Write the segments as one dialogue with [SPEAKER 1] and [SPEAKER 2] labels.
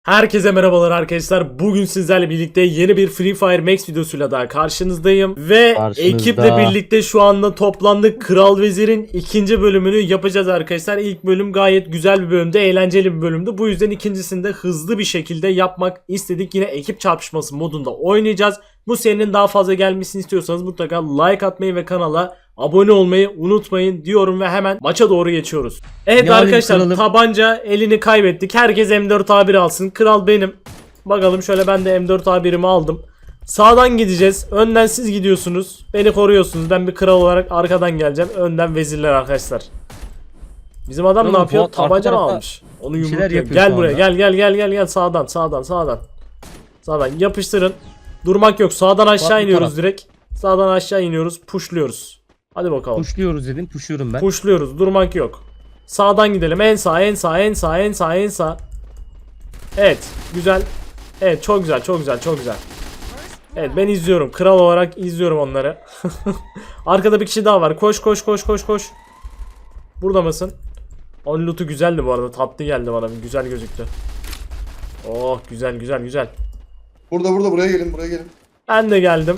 [SPEAKER 1] Herkese merhabalar arkadaşlar. Bugün sizlerle birlikte yeni bir Free Fire Max videosuyla daha karşınızdayım. Ve ekiple birlikte şu anda toplandık. Kral Vezir'in ikinci bölümünü yapacağız arkadaşlar. İlk bölüm gayet güzel bir bölümdü. Eğlenceli bir bölümdü. Bu yüzden ikincisini de hızlı bir şekilde yapmak istedik. Yine ekip çarpışması modunda oynayacağız. Bu serinin daha fazla gelmesini istiyorsanız mutlaka like atmayı ve kanala abone olmayı unutmayın diyorum ve hemen maça doğru geçiyoruz. Evet
[SPEAKER 2] Ne
[SPEAKER 1] arkadaşlar,
[SPEAKER 2] alayım,
[SPEAKER 1] tabanca elini kaybettik. Herkes M4A1 alsın. Kral benim. Bakalım şöyle, ben de M4A1'imi aldım. Sağdan gideceğiz. Önden siz gidiyorsunuz. Beni koruyorsunuz. Ben bir kral olarak arkadan geleceğim. Önden vezirler arkadaşlar. Bizim adam
[SPEAKER 2] Oğlum,
[SPEAKER 1] ne yapıyor?
[SPEAKER 2] Fuat
[SPEAKER 1] Tabanca mı
[SPEAKER 2] arka
[SPEAKER 1] almış? Onu
[SPEAKER 2] bir şeyler
[SPEAKER 1] yumrukluyor.
[SPEAKER 2] yapıyor
[SPEAKER 1] Gel
[SPEAKER 2] şu
[SPEAKER 1] buraya.
[SPEAKER 2] anda.
[SPEAKER 1] Gel. Sağdan yapıştırın. Durmak yok. Sağdan aşağı
[SPEAKER 2] Fuat bu
[SPEAKER 1] iniyoruz
[SPEAKER 2] taraf.
[SPEAKER 1] direkt. Sağdan aşağı iniyoruz. Pushluyoruz. Hadi bakalım.
[SPEAKER 2] Puşluyoruz dedim. Puşluyorum ben.
[SPEAKER 1] Pushluyoruz. Durmak yok. Sağdan gidelim. En sağ. Evet. Güzel. Evet, çok güzel. Evet, ben izliyorum. Kral olarak izliyorum onları. Arkada bir kişi daha var. Koş. Burada mısın? Onun lootu güzeldi bu arada. Tatlı geldi bana. Güzel gözüktü. Oh, güzel.
[SPEAKER 3] Burada buraya gelin.
[SPEAKER 1] Ben de geldim.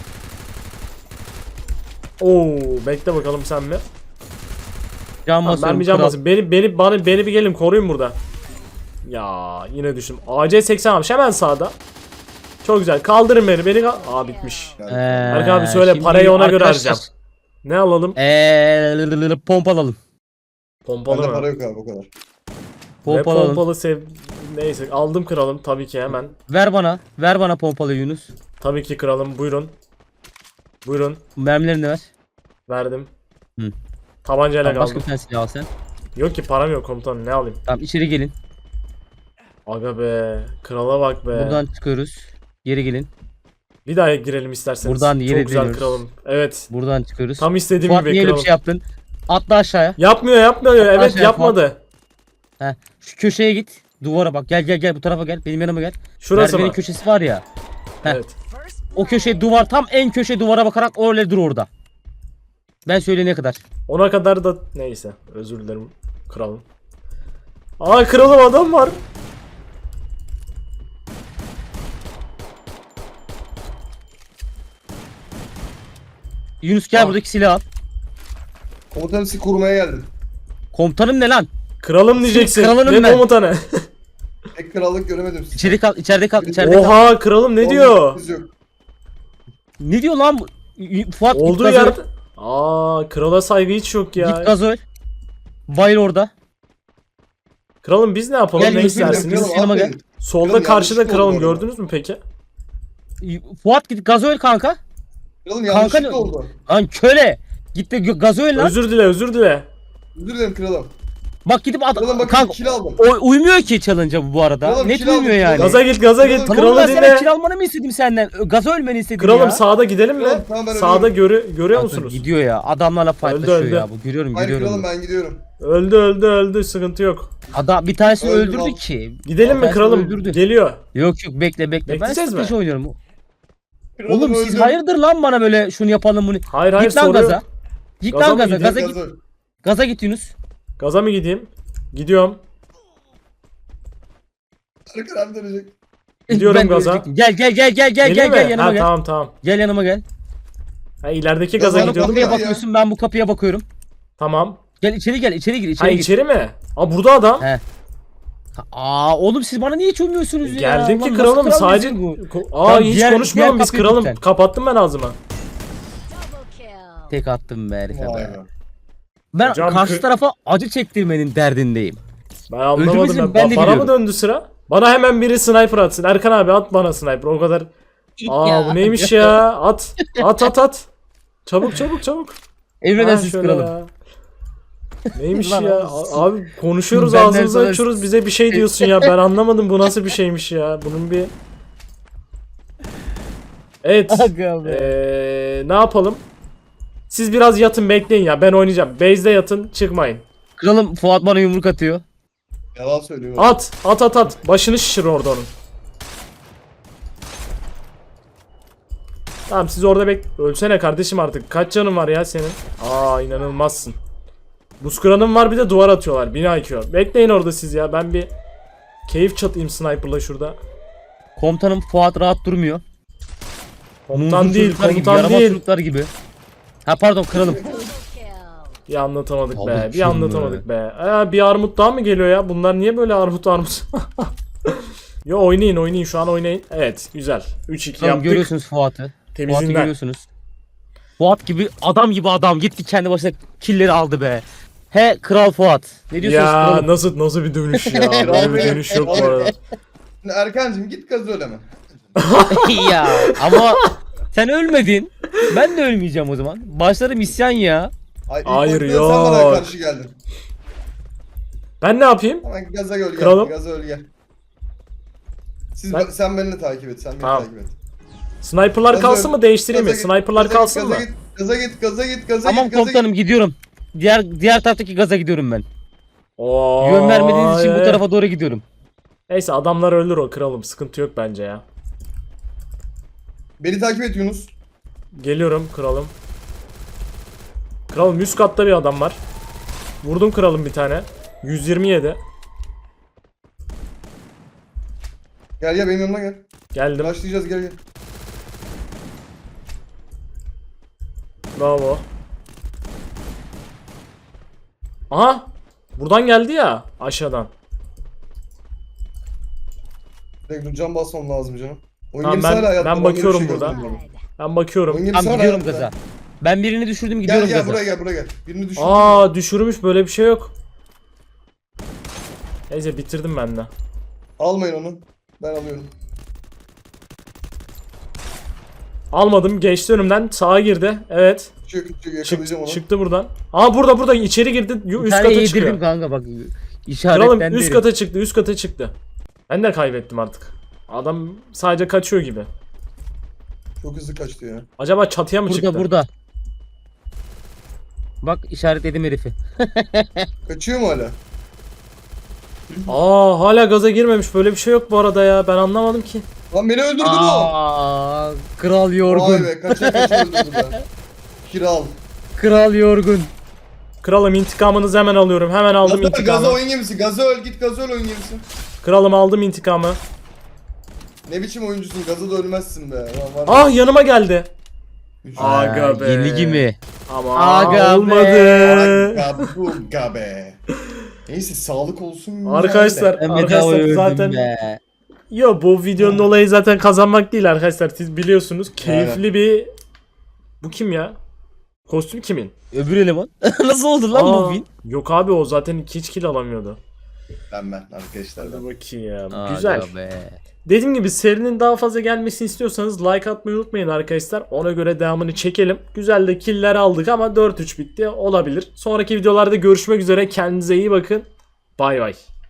[SPEAKER 1] Oo, bekle bakalım sen mi?
[SPEAKER 2] Can
[SPEAKER 1] Tamam,
[SPEAKER 2] basıyorum.
[SPEAKER 1] ben bir can
[SPEAKER 2] kral.
[SPEAKER 1] basayım. Beni bir gelin koruyun burada. Ya yine düştüm. AC80 almış hemen sağda. Çok güzel. Kaldırın beni. Aa, bitmiş. Berk abi söyle,
[SPEAKER 2] Şimdi
[SPEAKER 1] parayı ona göre
[SPEAKER 2] arkadaşlar,
[SPEAKER 1] harcayacağım. Ne alalım?
[SPEAKER 2] Pompa alalım.
[SPEAKER 1] Pompalı
[SPEAKER 3] Bende
[SPEAKER 1] mı?
[SPEAKER 3] para yok abi o kadar.
[SPEAKER 1] Ve
[SPEAKER 2] Pompa alalım.
[SPEAKER 1] pompalı neyse, aldım kralım tabii ki hemen.
[SPEAKER 2] Ver bana pompalı Yunus.
[SPEAKER 1] Tabii ki kralım, buyurun.
[SPEAKER 2] Mermilerini ver.
[SPEAKER 1] Verdim.
[SPEAKER 2] Hı.
[SPEAKER 1] Tabancayla
[SPEAKER 2] Tamam, başka
[SPEAKER 1] kaldım.
[SPEAKER 2] bir tane silah al sen.
[SPEAKER 1] Yok ki, param yok komutanım, ne alayım?
[SPEAKER 2] Tamam, içeri gelin.
[SPEAKER 1] Aga be, krala bak be.
[SPEAKER 2] Buradan çıkıyoruz. Geri gelin.
[SPEAKER 1] Bir daha girelim isterseniz.
[SPEAKER 2] Buradan yere
[SPEAKER 1] Çok güzel
[SPEAKER 2] dönüyoruz.
[SPEAKER 1] kralım. Evet.
[SPEAKER 2] Buradan çıkıyoruz.
[SPEAKER 1] Tam istediğim
[SPEAKER 2] Fuat
[SPEAKER 1] gibi
[SPEAKER 2] niye öyle bir
[SPEAKER 1] kralım.
[SPEAKER 2] şey yaptın? Atla aşağıya.
[SPEAKER 1] Yapmıyor. Evet,
[SPEAKER 2] aşağıya
[SPEAKER 1] yapmadı.
[SPEAKER 2] Heh. Şu köşeye git. Duvara bak. Gel bu tarafa gel. Benim yanıma gel.
[SPEAKER 1] Şurası
[SPEAKER 2] Merdivenin
[SPEAKER 1] mı?
[SPEAKER 2] köşesi var ya. Heh.
[SPEAKER 1] Evet.
[SPEAKER 2] O köşe duvar, tam en köşe duvara bakarak öyle dur orada. Ben söyleyene kadar.
[SPEAKER 1] Ona kadar da neyse. Özür dilerim kralım. Aa, kralım, adam var.
[SPEAKER 2] Yunus gel,
[SPEAKER 1] Ah.
[SPEAKER 2] buradaki silahı al.
[SPEAKER 3] Komutanım sizi korumaya geldim.
[SPEAKER 2] Komutanım ne lan?
[SPEAKER 1] Kralım diyeceksin.
[SPEAKER 2] kralınım
[SPEAKER 1] Ne
[SPEAKER 2] ben.
[SPEAKER 1] komutanı?
[SPEAKER 3] Tek krallık göremedim sizi.
[SPEAKER 2] İçeride kal.
[SPEAKER 1] Oha, kralım ne diyor?
[SPEAKER 3] Siz yok.
[SPEAKER 2] Ne diyor lan bu? Fuat git
[SPEAKER 1] Olduğu
[SPEAKER 2] gazoil.
[SPEAKER 1] yerde. Aa, krala saygı hiç yok ya.
[SPEAKER 2] Git gazoil. Bayıl orada.
[SPEAKER 1] Kralım biz ne yapalım,
[SPEAKER 2] Gel,
[SPEAKER 1] ne
[SPEAKER 2] Yunus,
[SPEAKER 1] istersiniz?
[SPEAKER 2] Yunus, yanıma gel.
[SPEAKER 1] Solda
[SPEAKER 3] Kralım,
[SPEAKER 1] karşıda
[SPEAKER 3] yanlışlıkla
[SPEAKER 1] kralım,
[SPEAKER 3] oldu bu arada.
[SPEAKER 1] gördünüz mü peki?
[SPEAKER 2] Fuat git gazoil kanka.
[SPEAKER 3] Kralım
[SPEAKER 2] Kanka
[SPEAKER 3] yanlışlıkla
[SPEAKER 2] ne-
[SPEAKER 3] oldu.
[SPEAKER 2] Lan köle. Git de gazoil lan.
[SPEAKER 1] Özür dile.
[SPEAKER 3] Özür dilerim kralım.
[SPEAKER 2] Bak gidip
[SPEAKER 3] Kralım bakın
[SPEAKER 2] kanka.
[SPEAKER 3] kill aldım.
[SPEAKER 2] Uymuyor ki challenge'a bu arada.
[SPEAKER 3] Kralım,
[SPEAKER 2] Net
[SPEAKER 3] kill aldım,
[SPEAKER 2] uymuyor
[SPEAKER 3] kill
[SPEAKER 2] yani.
[SPEAKER 3] aldım.
[SPEAKER 1] Gaza git.
[SPEAKER 3] Kralım,
[SPEAKER 2] Tamam, ben
[SPEAKER 1] Kralı
[SPEAKER 2] sana
[SPEAKER 1] dinle.
[SPEAKER 2] kill almanı mı istedim senden? Gaza ölmeni istedim
[SPEAKER 1] Kralım
[SPEAKER 2] ya.
[SPEAKER 1] sağda gidelim mi?
[SPEAKER 3] Kralım, tamam, ben
[SPEAKER 1] Sağda
[SPEAKER 3] ölüyorum.
[SPEAKER 1] görüyor
[SPEAKER 2] Kanka,
[SPEAKER 1] musunuz?
[SPEAKER 2] gidiyor ya. Adamlarla fightlaşıyor
[SPEAKER 1] öldü.
[SPEAKER 2] ya. Bu görüyorum.
[SPEAKER 3] Hayır kralım, ben gidiyorum.
[SPEAKER 1] Öldü. Sıkıntı yok.
[SPEAKER 2] Adam bir tanesini
[SPEAKER 3] Öldü
[SPEAKER 2] öldürdü
[SPEAKER 3] lan.
[SPEAKER 2] ki.
[SPEAKER 1] Gidelim mi
[SPEAKER 2] Tanesini
[SPEAKER 1] kralım?
[SPEAKER 2] öldürdü.
[SPEAKER 1] Geliyor.
[SPEAKER 2] Yok bekle. Ben
[SPEAKER 1] Bekleyeceğiz
[SPEAKER 2] strateji
[SPEAKER 1] mi?
[SPEAKER 2] oynuyorum.
[SPEAKER 3] Kralım,
[SPEAKER 2] Oğlum siz
[SPEAKER 3] öldüm.
[SPEAKER 2] hayırdır lan bana böyle şunu yapalım bunu.
[SPEAKER 1] Hayır,
[SPEAKER 2] Git lan
[SPEAKER 1] soruyor.
[SPEAKER 2] gaza. Git
[SPEAKER 1] Gaza
[SPEAKER 2] lan
[SPEAKER 1] mı
[SPEAKER 2] gaza.
[SPEAKER 1] gideyim?
[SPEAKER 2] Gaza git.
[SPEAKER 3] Gazoil.
[SPEAKER 2] Gaza git Yunus.
[SPEAKER 1] Gaza mı gideyim? Gidiyorum.
[SPEAKER 3] Arkadan dönecek.
[SPEAKER 1] Gidiyorum
[SPEAKER 2] Ben de
[SPEAKER 1] gaza.
[SPEAKER 2] ölecektim. Gel
[SPEAKER 1] Geleyim mi?
[SPEAKER 2] yanıma
[SPEAKER 1] Ha,
[SPEAKER 2] gel.
[SPEAKER 1] tamam.
[SPEAKER 2] Gel yanıma gel.
[SPEAKER 1] Ha, ilerideki
[SPEAKER 3] Gaza
[SPEAKER 1] gaza
[SPEAKER 3] mı
[SPEAKER 1] gidiyordum.
[SPEAKER 3] kapıya
[SPEAKER 2] Kapıya
[SPEAKER 3] ya.
[SPEAKER 2] bakıyorsun, ben bu kapıya bakıyorum.
[SPEAKER 1] Tamam.
[SPEAKER 2] Gel içeri gir, içeri
[SPEAKER 1] Ha,
[SPEAKER 2] gir.
[SPEAKER 1] içeri mi? Aa, burada adam.
[SPEAKER 2] He. Oğlum siz bana niye hiç uymuyorsunuz ya?
[SPEAKER 1] Geldim
[SPEAKER 2] Lan
[SPEAKER 1] ki
[SPEAKER 2] nasıl
[SPEAKER 1] kralım,
[SPEAKER 2] kral
[SPEAKER 1] sadece
[SPEAKER 2] bizim bu?
[SPEAKER 1] Aa,
[SPEAKER 2] Tamam,
[SPEAKER 1] hiç
[SPEAKER 2] diğer
[SPEAKER 1] konuşmuyorum biz
[SPEAKER 2] kapıyı
[SPEAKER 1] kralım.
[SPEAKER 2] lütfen.
[SPEAKER 1] Kapattım ben ağzımı.
[SPEAKER 2] Tek attım be herife
[SPEAKER 3] Vay
[SPEAKER 2] be.
[SPEAKER 3] be.
[SPEAKER 2] Ben
[SPEAKER 1] Hocam,
[SPEAKER 2] karşı tarafa acı çektirmenin derdindeyim.
[SPEAKER 1] Ben anlamadım.
[SPEAKER 2] Öldürmesini ben de
[SPEAKER 1] Bana mı
[SPEAKER 2] biliyorum.
[SPEAKER 1] döndü sıra? Bana hemen biri sniper atsın. Erkan abi at bana sniper. O kadar. Aa,
[SPEAKER 2] Ya.
[SPEAKER 1] bu neymiş ya? At. Çabuk. Ha,
[SPEAKER 2] Emredersiniz
[SPEAKER 1] şöyle
[SPEAKER 2] kralım.
[SPEAKER 1] ya. Neymiş
[SPEAKER 2] Lan
[SPEAKER 1] ya?
[SPEAKER 2] oğlum,
[SPEAKER 1] Abi konuşuyoruz,
[SPEAKER 2] Benden
[SPEAKER 1] ağzımızı
[SPEAKER 2] sonra-
[SPEAKER 1] açıyoruz, bize bir şey diyorsun ya. Ben anlamadım, bu nasıl bir şeymiş ya. Bunun bir... Evet.
[SPEAKER 2] Aga be.
[SPEAKER 1] Ne yapalım? Siz biraz yatın, bekleyin ya. Ben oynayacağım. Base'de yatın, çıkmayın.
[SPEAKER 2] Kralım Fuat bana yumruk atıyor.
[SPEAKER 3] Yalan söylüyor.
[SPEAKER 1] At. Başını şişir orada onun. Tamam, siz orada ölsene kardeşim artık. Kaç canın var ya senin? Aa, inanılmazsın. Buz kıranım var, bir de duvar atıyorlar. 1000 IQ. Bekleyin orada siz ya. Ben bir Keyif çatayım sniper'la şurada.
[SPEAKER 2] Komutanım Fuat rahat durmuyor.
[SPEAKER 1] Komutan
[SPEAKER 2] Muzlu
[SPEAKER 1] değil,
[SPEAKER 2] çocuklar gibi,
[SPEAKER 1] komutan
[SPEAKER 2] yaramaz
[SPEAKER 1] değil.
[SPEAKER 2] çocuklar gibi. Ha pardon kralım.
[SPEAKER 1] Bir anlatamadık be,
[SPEAKER 2] Aldık
[SPEAKER 1] bir
[SPEAKER 2] şunu
[SPEAKER 1] anlatamadık be. Bir armut daha mı geliyor ya? Bunlar niye böyle armut? Yo oynayın şu an oynayın. Evet güzel. 3-2
[SPEAKER 2] Tamam,
[SPEAKER 1] yaptık.
[SPEAKER 2] görüyorsunuz Fuat'ı. Fuat'ı
[SPEAKER 1] Temizinden.
[SPEAKER 2] görüyorsunuz. Fuat gibi adam gitti kendi başına killleri aldı be. He kral Fuat. Ne diyorsunuz
[SPEAKER 1] Ya
[SPEAKER 2] kralım?
[SPEAKER 1] nasıl bir dönüş ya? Böyle bir dönüş yok bu arada.
[SPEAKER 3] Şimdi Erkancığım git gazı öleme.
[SPEAKER 2] Ya ama sen ölmedin. Ben de ölmeyeceğim o zaman. Başlarım isyan ya.
[SPEAKER 3] Hayır,
[SPEAKER 1] Hayır,
[SPEAKER 3] ilk başta sen bana
[SPEAKER 1] yok.
[SPEAKER 3] karşı geldin.
[SPEAKER 1] Ben ne yapayım?
[SPEAKER 3] Hemen gaza öl gel.
[SPEAKER 1] Kralım.
[SPEAKER 3] Gaza öl gel.
[SPEAKER 1] Ben-
[SPEAKER 3] Sen beni takip et. Sen beni
[SPEAKER 1] Tamam.
[SPEAKER 3] takip et.
[SPEAKER 1] Sniper'lar
[SPEAKER 3] Gaza
[SPEAKER 1] kalsın
[SPEAKER 3] öl-
[SPEAKER 1] mı değiştireyim mi?
[SPEAKER 3] gaza git,
[SPEAKER 1] Sniper'lar
[SPEAKER 3] gaza git,
[SPEAKER 1] kalsın
[SPEAKER 3] gaza
[SPEAKER 1] mı?
[SPEAKER 3] git, Gaza git, gaza git, gaza
[SPEAKER 2] Tamam
[SPEAKER 3] git, gaza
[SPEAKER 2] komutanım gidiyorum. Diğer taraftaki gaza gidiyorum ben.
[SPEAKER 1] Oo,
[SPEAKER 2] Yön vermediğiniz için bu
[SPEAKER 1] evet.
[SPEAKER 2] tarafa doğru gidiyorum.
[SPEAKER 1] Neyse adamlar ölür o kralım. Sıkıntı yok bence ya.
[SPEAKER 3] Beni takip et Yunus.
[SPEAKER 1] Geliyorum kralım. Kralım üst katta bir adam var. Vurdum kralım bir tane. 127.
[SPEAKER 3] Gel gel benim yanıma gel.
[SPEAKER 1] Geldim.
[SPEAKER 3] Başlayacağız gel gel.
[SPEAKER 1] Bravo. Aha. Buradan geldi ya aşağıdan.
[SPEAKER 3] Direkt dur cam basmam lazım canım. Oyun
[SPEAKER 1] Tamam,
[SPEAKER 3] gemisi
[SPEAKER 1] ben-
[SPEAKER 3] hala hayatta,
[SPEAKER 1] ben
[SPEAKER 3] bana öyle bir
[SPEAKER 1] bakıyorum
[SPEAKER 3] şey
[SPEAKER 1] burada.
[SPEAKER 3] göstermiyor.
[SPEAKER 1] Ben bakıyorum.
[SPEAKER 3] Oyun gemisi
[SPEAKER 2] Tamam
[SPEAKER 3] hala
[SPEAKER 2] gidiyorum
[SPEAKER 3] hayatta.
[SPEAKER 2] gaza. Ben birini düşürdüm
[SPEAKER 3] Gel
[SPEAKER 2] gidiyorum
[SPEAKER 3] gel
[SPEAKER 2] gaza.
[SPEAKER 3] buraya gel buraya gel. Birini düşün.
[SPEAKER 1] Aa düşürmüş böyle bir şey yok. Neyse bitirdim ben de.
[SPEAKER 3] Almayın onu. Ben alıyorum.
[SPEAKER 1] Almadım geçti önümden sağa girdi. Evet.
[SPEAKER 3] Çık yakalayacağım onu.
[SPEAKER 1] Çıktı buradan. Aa burada içeri girdi.
[SPEAKER 2] Bir
[SPEAKER 1] Üst
[SPEAKER 2] tane
[SPEAKER 1] kata
[SPEAKER 2] yedirdim
[SPEAKER 1] çıkıyor.
[SPEAKER 2] kanka bak.
[SPEAKER 1] Kralım
[SPEAKER 2] İşaretlendi.
[SPEAKER 1] üst kata çıktı üst kata çıktı. Ben de kaybettim artık. Adam sadece kaçıyor gibi.
[SPEAKER 3] Çok hızlı kaçtı ya.
[SPEAKER 1] Acaba çatıya mı
[SPEAKER 2] Burada
[SPEAKER 1] çıktı?
[SPEAKER 2] burada. Bak işaretledim herifi.
[SPEAKER 3] Kaçıyor mu hala?
[SPEAKER 1] Aa hala gaza girmemiş. Böyle bir şey yok bu arada ya. Ben anlamadım ki.
[SPEAKER 3] Lan beni öldürdü bu.
[SPEAKER 2] Aa, kral
[SPEAKER 3] Vay
[SPEAKER 2] yorgun.
[SPEAKER 3] be kaça öldürdü be. Kiral.
[SPEAKER 2] Kral yorgun.
[SPEAKER 1] Kralım intikamınızı hemen alıyorum. Hemen aldım
[SPEAKER 3] Gaza
[SPEAKER 1] intikamı.
[SPEAKER 3] oyun gemisi. Gaza öl git gaza öl oyun gemisi.
[SPEAKER 1] Kralım aldım intikamı.
[SPEAKER 3] Ne biçim oyuncusun gaza da ölmezsin be. Lan var ya.
[SPEAKER 1] Ah yanıma geldi.
[SPEAKER 3] Üç-
[SPEAKER 1] Aga be.
[SPEAKER 2] Yenilgi mi?
[SPEAKER 1] Ama
[SPEAKER 2] Aga
[SPEAKER 1] olmadı.
[SPEAKER 3] Aga buga be. Neyse sağlık olsun. güzel
[SPEAKER 1] Arkadaşlar,
[SPEAKER 3] de.
[SPEAKER 2] Ben bedava
[SPEAKER 1] arkadaşlar
[SPEAKER 2] öldüm
[SPEAKER 1] zaten
[SPEAKER 2] be.
[SPEAKER 1] yo bu videonun olayı zaten kazanmak değil arkadaşlar. Siz biliyorsunuz. Keyifli bir bu kim ya? Kostüm kimin?
[SPEAKER 2] Öbür eleman. Nasıl oldu lan bu
[SPEAKER 1] Aa,
[SPEAKER 2] win?
[SPEAKER 1] yok abi o zaten hiç kill alamıyordu.
[SPEAKER 3] Ben arkadaşlar
[SPEAKER 1] Hadi
[SPEAKER 3] ben.
[SPEAKER 1] bakayım ya.
[SPEAKER 2] Aga
[SPEAKER 1] Güzel.
[SPEAKER 2] be.
[SPEAKER 1] Dediğim gibi serinin daha fazla gelmesini istiyorsanız like atmayı unutmayın arkadaşlar. Ona göre devamını çekelim. Güzel de killer aldık ama 4-3 bitti. Olabilir. Sonraki videolarda görüşmek üzere. Kendinize iyi bakın. Bay bay.